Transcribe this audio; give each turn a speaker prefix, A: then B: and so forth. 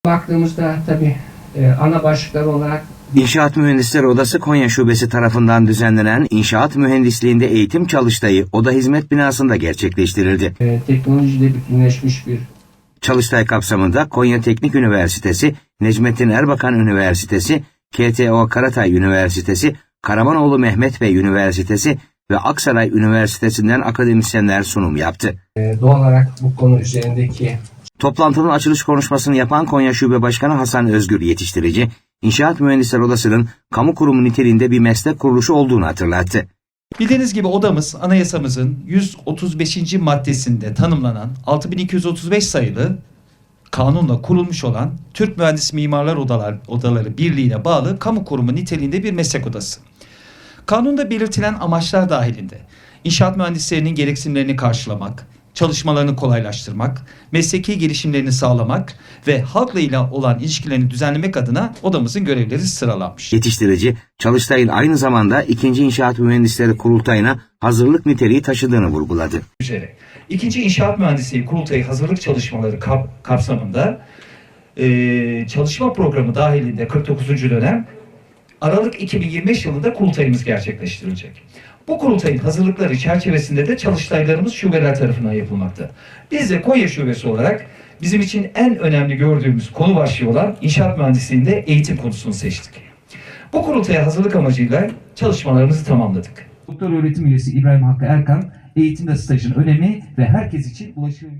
A: Baktığımızda tabii ana başlıklar olarak
B: İnşaat Mühendisleri Odası Konya Şubesi tarafından düzenlenen İnşaat Mühendisliğinde Eğitim Çalıştayı Oda Hizmet Binası'nda gerçekleştirildi.
A: Teknolojiyle bütünleşmiş bir
B: Çalıştay kapsamında Konya Teknik Üniversitesi, Necmettin Erbakan Üniversitesi, KTO Karatay Üniversitesi, Karamanoğlu Mehmet Bey Üniversitesi ve Aksaray Üniversitesi'nden akademisyenler sunum yaptı.
A: Doğal olarak bu konu üzerindeki
B: Toplantının açılış konuşmasını yapan Konya Şube Başkanı Hasan Özgür Yetiştirici, İnşaat Mühendisleri Odası'nın kamu kurumu niteliğinde bir meslek kuruluşu olduğunu hatırlattı.
C: Bildiğiniz gibi odamız anayasamızın 135. maddesinde tanımlanan 6235 sayılı kanunla kurulmuş olan Türk Mühendis Mimarlar Odaları Birliği'ne bağlı kamu kurumu niteliğinde bir meslek odası. Kanunda belirtilen amaçlar dahilinde inşaat mühendislerinin gereksinimlerini karşılamak, çalışmalarını kolaylaştırmak, mesleki gelişimlerini sağlamak ve halkla ile olan ilişkilerini düzenlemek adına odamızın görevleri sıralanmış.
B: Yetiştirici, Çalıştay'ın aynı zamanda 2. İnşaat Mühendisleri Kurultayı'na hazırlık niteliği taşıdığını vurguladı.
C: İkinci İnşaat Mühendisliği Kurultayı hazırlık çalışmaları kapsamında çalışma programı dahilinde 49. dönem Aralık 2025 yılında kurultayımız gerçekleştirilecek. Bu kurultayın hazırlıkları çerçevesinde de çalıştaylarımız şubeler tarafından yapılmakta. Biz de Konya Şubesi olarak bizim için en önemli gördüğümüz konu başlığı olan inşaat mühendisliğinde eğitim konusunu seçtik. Bu kurultaya hazırlık amacıyla çalışmalarımızı tamamladık.
D: Doktor öğretim üyesi İbrahim Hakkı Erkan, eğitimde stajın önemi ve herkes için ulaşım